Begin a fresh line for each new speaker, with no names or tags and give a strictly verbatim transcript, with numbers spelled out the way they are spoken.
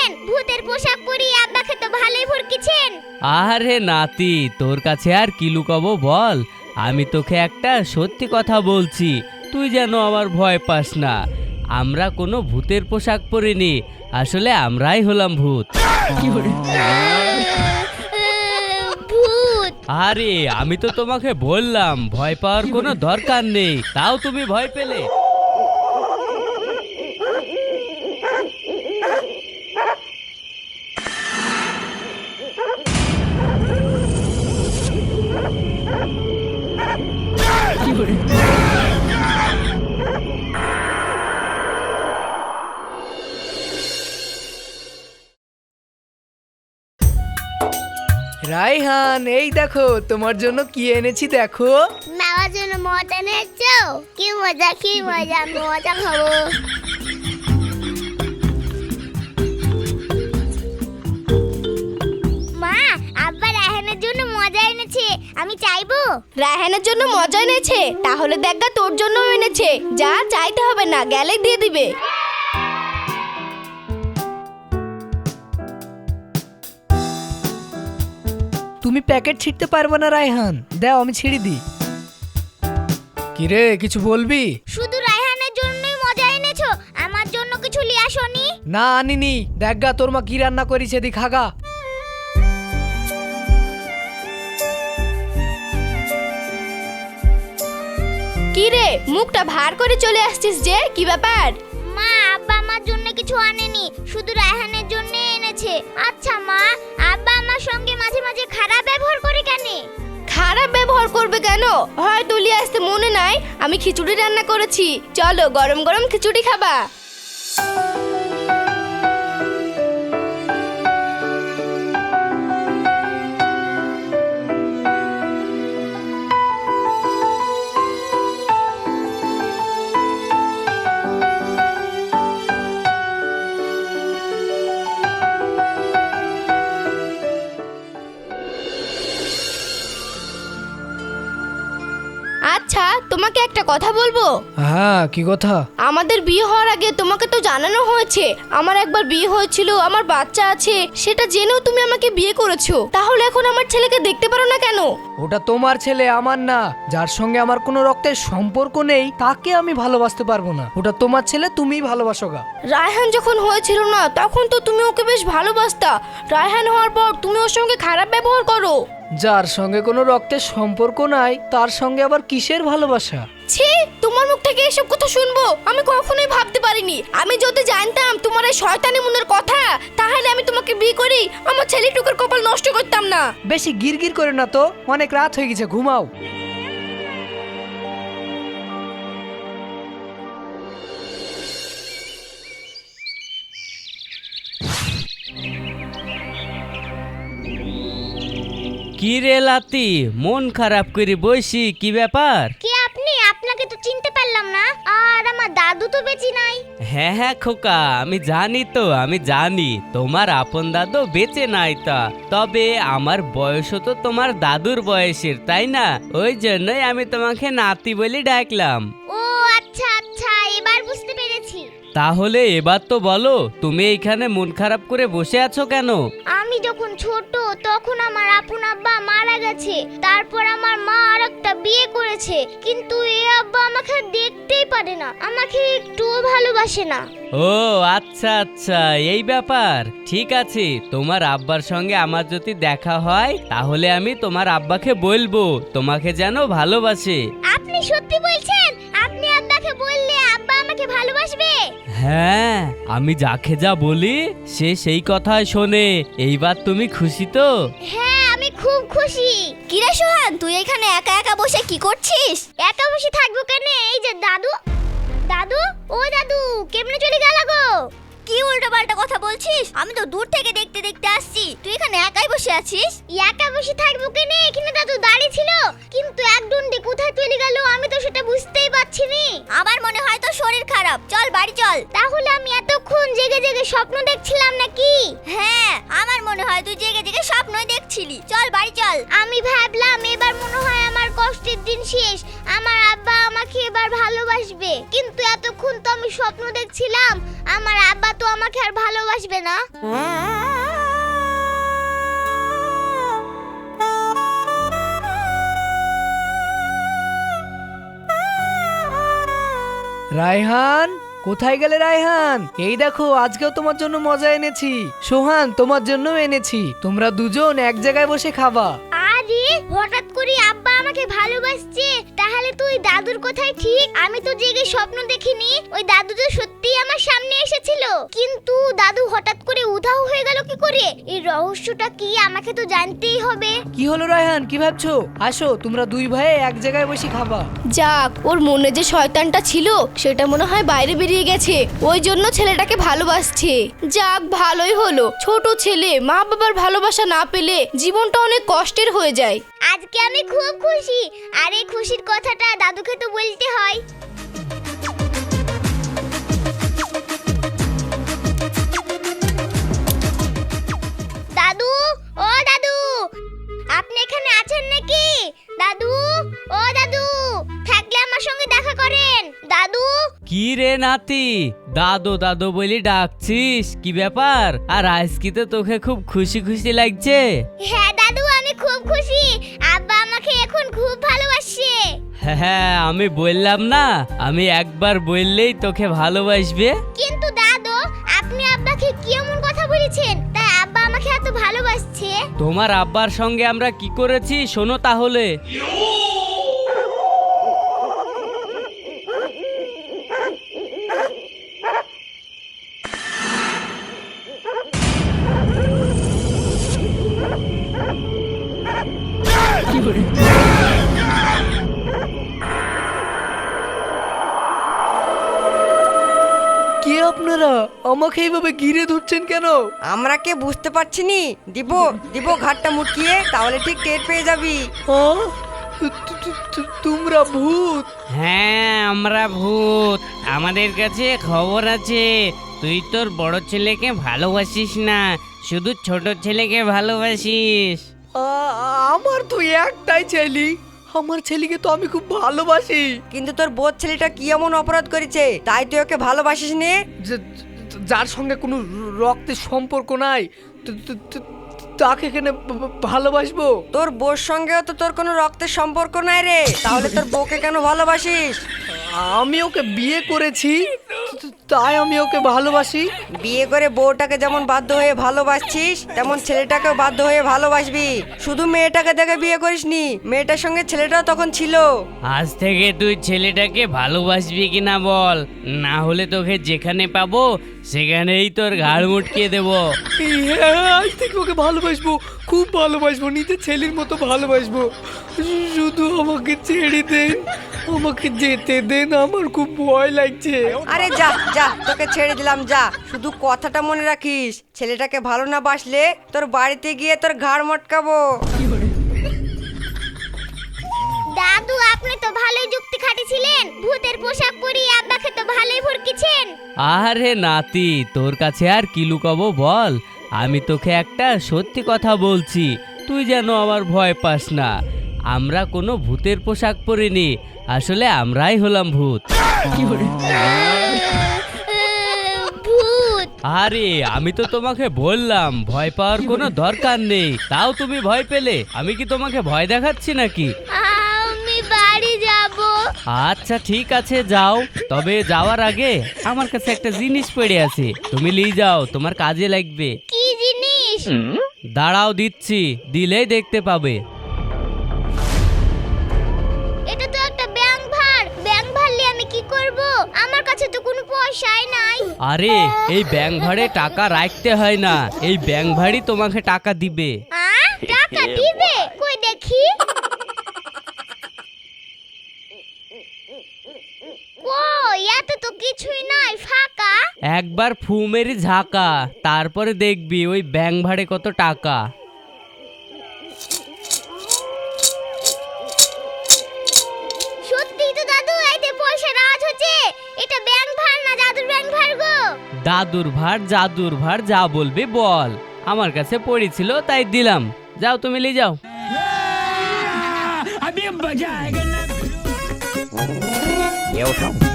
বলছেন? ভূতের পোশাক পরিয়ে আব্বাকে তো ভালোই ভরকিছেন।
আরে নাতি, তোর কাছে আর কি লুকাবো বল। আমি তোকে একটা সত্যি কথা বলছি, তুই যেন আমার ভয় পাস না। আমরা কোনো ভূতের পোশাক পরিনি, আসলে আমরাই হলাম ভূত।
ভূত?
আরে আমি তো তোমাকে বললাম ভয় পাওয়ার কোনো দরকার নেই, তাও তুমি ভয় পেলে।
রায়হান, এই দেখো তোমার জন্য কি এনেছি দেখো।
নেওয়ার জন্য মজা নিচ্ছ? কি মজা কি মজা, মজা খাবো। মা, আব্বা রায়হানের জন্য মজা এনেছে, আমি চাইবো।
রায়হানের জন্য মজা এনেছে? তাহলে দেখা তোর জন্য এনেছে, যা চাইতে হবে না, গেলেই দিয়ে দিবে।
তুমি প্যাকেট ছিঁড়তে পারবে না রায়হান, দাও আমি ছিঁড়ে দিই। কিরে, কিছু বলবি?
শুধু রায়হানের জন্যই মজা এনেছো, আমার জন্য কিছু লিয়ে আসোনি?
না আনিনি, দেখা তোর মা কি রান্না করেছে দি খাগা।
কি রে, মুখটা ভার করে চলে আসছিস যে, কি ব্যাপার?
মা, আব্বা আমার জন্য কিছু আনেনি, শুধু রায়হানের জন্য এনেছে। আচ্ছা মা, আব্বা আমার সঙ্গে মাঝে মাঝে খারাপ ব্যবহার করে কেন?
খারাপ ব্যবহার করবে কেন? হয় তুলি আসতে মনে নাই আমি খিচুড়ি রান্না করেছি, চলো গরম গরম খিচুড়ি খাবা। আচ্ছা, তোমাকে একটা কথা বলবো।
হ্যাঁ, কি কথা?
আমাদের বিয়ে হওয়ার আগে তোমাকে তো জানানো হয়েছে আমার একবার বিয়ে হয়েছিল, আমার বাচ্চা আছে, সেটা জেনেও তুমি আমাকে বিয়ে করেছো। তাহলে এখন আমার ছেলেকে দেখতে পারো না কেন?
ওটা তোমার ছেলে, আমার না। যার সঙ্গে আমার কোনো রক্তের সম্পর্ক নেই তাকে আমি ভালোবাসতে পারবো না। ওটা তোমার ছেলে, তুমিই ভালোবাসো গা।
রায়হান যখন হয়েছিল না তখন তো তুমি ওকে বেশ ভালোবাসতা, রায়হান হওয়ার পর তুমি ওর সঙ্গে খারাপ ব্যবহার করো।
যার সঙ্গে কোনো রক্তের সম্পর্ক নাই তার সঙ্গে আবার কিসের ভালোবাসা?
ছি, তোমার মুখ থেকে এসব কথা শুনবো আমি কখনোই ভাবতে পারিনি। আমি যদি জানতাম তোমার এই শয়তানি মনের কথা, তাহলে আমি তোমাকে বিয়ে করি আমার ছেলেটুকুর কপাল নষ্ট করতাম না।
বেশি গিরগির করে না তো, অনেক রাত হয়ে গেছে, ঘুমাও।
কি রে লাতি, মন খারাপ করে বসি, কি ব্যাপার?
কে আপনি? আপনাকে তো চিনতে পারলাম না। আর আমার দাদু তো বেঁচে নাই।
হ্যাঁ হ্যাঁ খোকা, আমি জানি তো, আমি জানি তোমার আপন দাদু বেঁচে নাই। তা তবে আমার বয়সও তো তোমার দাদুর বয়সের, তাই না? ওই জন্যই আমি তোমাকে নাতি বলে ডাকলাম।
ও আচ্ছা আচ্ছা, এবার বুঝতে পেরেছি।
তাহলে এবার তো বলো, তুমি এইখানে মন খারাপ করে বসে আছো কেন?
আমি যখন ছোট তখন আমার আপন আব্বা মারা গেছে, তারপর আমার মা আরেকটা বিয়ে করেছে, কিন্তু এই আব্বা আমাকে দেখতেই পারে না, আমাকে একটুও ভালোবাসে না।
ও আচ্ছা আচ্ছা, এই ব্যাপার। ঠিক আছে, তোমার আব্বার সঙ্গে আমার যদি দেখা হয় তাহলে আমি তোমার আব্বাকে বলবো তোমাকে যেন ভালোবাসে।
আপনি সত্যি বলছেন? আপনি আব্বাকে বললে আব্বা আমাকে ভালোবাসবে?
হ্যাঁ, আমি যাকে যা বলি সে সেই কথাই শোনে। এইবার তুমি খুশি তো?
হ্যাঁ, আমি খুব খুশি।
কিরে সোহান, তুই এখানে একা একা বসে কি করছিস?
একা বসে থাকবো কেন? এই যে দাদু, দাদু, ও দাদু, কেমনে চলে গেল গো?
কি উল্টো পাল্টা কথা বলছিস? আমি তো দূর থেকে দেখতে দেখতে আসছি, তুই এখানে একাই বসে আছিস।
একা বসে থাকবো কেন? এখানে দাদু দাঁড়িয়ে ছিল, কিন্তু এক দণ্ডে কোথায় চলে গেল আমি তো সেটা বুঝতেই পারছি না।
আমার মনে হয় তো শরীর খারাপ, চল বাড়ি চল।
তাহলে আমি এতক্ষণ জেগে জেগে স্বপ্ন দেখছিলাম নাকি?
হ্যাঁ, আমার মনে হয় তুই জেগে জেগে স্বপ্নই দেখছিলি, চল বাড়ি চল।
আমি ভাবলাম এবার মনে হয় আমার কষ্টের দিন শেষ, আমার আব্বা আমাকে এবার ভালোবাসবে, কিন্তু এতক্ষণ তো আমি স্বপ্ন দেখছিলাম আমার আব্বা তো আমাকে আর ভালোবাসবে না।
রায়হান, কোথায় গেলে রায়হান? এই দেখো, আজকেও তোমার জন্য মজা এনেছি। সোহান, তোমার জন্য এনেছি। তোমরা দুজন এক জায়গায় বসে খাবা।
আরে হঠাৎ করে আব্বা আমাকে ভালোবাসছে, তাহলে তুই দাদুর কথাই ঠিক। আমি তো জেগে স্বপ্ন দেখিনি, ওই দাদু তো সত্যিই আমার সামনে এসেছিল। কিন্তু দাদু হঠাৎ করে উধাও হয়ে গেল কি করে? এই রহস্যটা কি আমাকে তো জানতেই হবে।
কি হলো রায়হান, কি ভাবছো? আসো, তোমরা দুই ভাই এক জায়গায় বসে খাবা।
যাক, ওর মনে যে শয়তানটা ছিল সেটা মনে হয় বাইরে বেরিয়ে গেছে, ওই জন্য ছেলেটাকে ভালোবাসছে। যাক, ভালোই হলো। ছোট ছেলে মা বাবার ভালোবাসা না পেলে জীবনটা অনেক কষ্টের হয়ে যায়।
আজকে আমি খুব খুশি, আর এই খুশির কথাটা দাদুকে তো বলতে হয়। দাদু, ও দাদু, আপনি এখানে আছেন নাকি? দাদু, ও দাদু, থাকলে আমার সঙ্গে দেখা করেন। দাদু।
কি রে নাতি, দাদু দাদু বলি ডাকছিস? কি ব্যাপার? আর আজকে তো তোকে খুব খুশি খুশি লাগছে।
হ্যাঁ দাদু, আমি খুব খুশি। আব্বা আমাকে এখন খুব ভালোবাসে।
হ্যাঁ, আমি বললাম না, আমি একবার বললেই তোকে ভালোবাসবে।
কিন্তু দাদু, আপনি আব্বাকে কি এমন কথা বলেছেন তাই আব্বা আমাকে এত ভালোবাসছে?
তোমার আব্বার সঙ্গে আমরা কি করেছি শোনো তাহলে।
কে আপনারা? আমাকে এইভাবে ঘিরে ধরছেন কেন?
আমরা কে বুঝতে পারছি নি। দিব দিব ঘাটটা মুটকিয়ে, তাহলে ঠিক টের পেয়ে যাবি।
আহ? তু- তু- তু- তোমরা ভূত?
হ্যাঁ, আমরা ভূত। আমাদের কাছে খবর আছে তুই তোর বড় ছেলেকে ভালোবাসিস না, শুধু ছোট ছেলেকে ভালোবাসিস।
আ- আমার তো একটাই ছেলে, আমার ছেলেকে তো আমি খুব ভালোবাসি।
কিন্তু তোর বোধ ছেলেটা কি এমন অপরাধ করেছে তাই তুই ওকে ভালোবাসিস নে?
যে- যার সঙ্গে কোনো রক্তের সম্পর্ক নাই, তো- তো- তো- তাকে এখানে ভা- ভা- ভালোবাসবো?
তোর বোর সঙ্গেও তো তোর কোনো রক্তের সম্পর্ক নাই রে, তাহলে তোর বউকে কেন ভালোবাসিস?
আমি ওকে বিয়ে করেছি, তো- তাই আমি ওকে ভালোবাসি।
বিয়ে করে বউটাকে যেমন বাধ্য হয়ে ভালোবাসছিস, তেমন ছেলেটাকেও বাধ্য হয়ে ভালোবাসবি। শুধু মেয়েটাকে দেখে বিয়ে করিসনি, মেয়েটার সঙ্গে ছেলেটাও তখন ছিল।
আজ থেকে তুই ছেলেটাকে ভালোবাসবি কিনা বল, না হলে তোকে যেখানে পাবো সেখানেই তোর ঘাড় মুটকিয়ে দেবো।
হ্যাঁ, আজ থেকে ওকে ভালোবাসবো, খুব ভালোবাসবো, নিজের ছেলের মতো ভালোবাসবো। শুধু আমাকে ছেড়ে দেন, আমাকে যেতে দেন, আমার খুব ভয় লাগছে।
আরে যা যা, তোকে ছেড়ে দিলাম, যা। শুধু কথাটা মনে রাখিস, ছেলেটাকে ভালো না বাসলে তোর বাড়িতে গিয়ে তোর ঘাড় মটকাবো।
দাদু, আপনি তো ভালোই যুক্তি খাটিছিলেন। ভূতের পোশাক পরিয়ে আব্বাকে তো ভালোই ভরকিছেন।
আরে নাতি, তোর কাছে আর কি লুকাবো বল। আমি তোকে একটা সত্যি কথা বলছি, তুই যেন আমার ভয় পাস না। আমরা কোনো ভূতের পোশাক পরিনি, আসলে আমরাই হলাম ভূত।
ভূত?
আরে আমি তো তোমাকে বললাম ভয় পাওয়ার কোনো দরকার নেই, তাও তুমি ভয় পেলে। আমি কি তোমাকে ভয় দেখাচ্ছি নাকি?
আমি বাড়ি যাব।
আচ্ছা ঠিক আছে, যাও। তবে যাওয়ার আগে আমার কাছে একটা জিনিস পড়ে আছে, তুমি নিয়ে যাও, তোমার কাজে লাগবে।
কি জিনিস?
দাঁড়াও, দিচ্ছি, দিলেই দেখতে পাবে।
এটা তো একটা ব্যাংক ভার। ব্যাংক ভারলে আমি কি করব? আমার কাছে তো কোনো পয়সাই নাই।
আরে এই ব্যাংক ভাড়ে টাকা রাখতে হয় না, এই ব্যাংক ভাড়ই তোমাকে টাকা দিবে।
আ? টাকা দিবে? কই দেখি। কই, এত তো কিছুই নাই, ফাঁকা।
একবার ফু মেরে ঝাঁকা, তারপরে দেখবি ওই ব্যাংক ভাড়ে কত টাকা।
সত্যি তো দাদু, এইতে পয়সা রাজ হচ্ছে। এটা ব্যাংক ভার না জাদুর ব্যাংক ভার গো?
দাদুর ভার জাদুর ভার যা বলবি বল, আমার কাছে পড়েছিল তাই দিলাম। যাও, তুমি নিয়ে যাও।
ये उठाओ।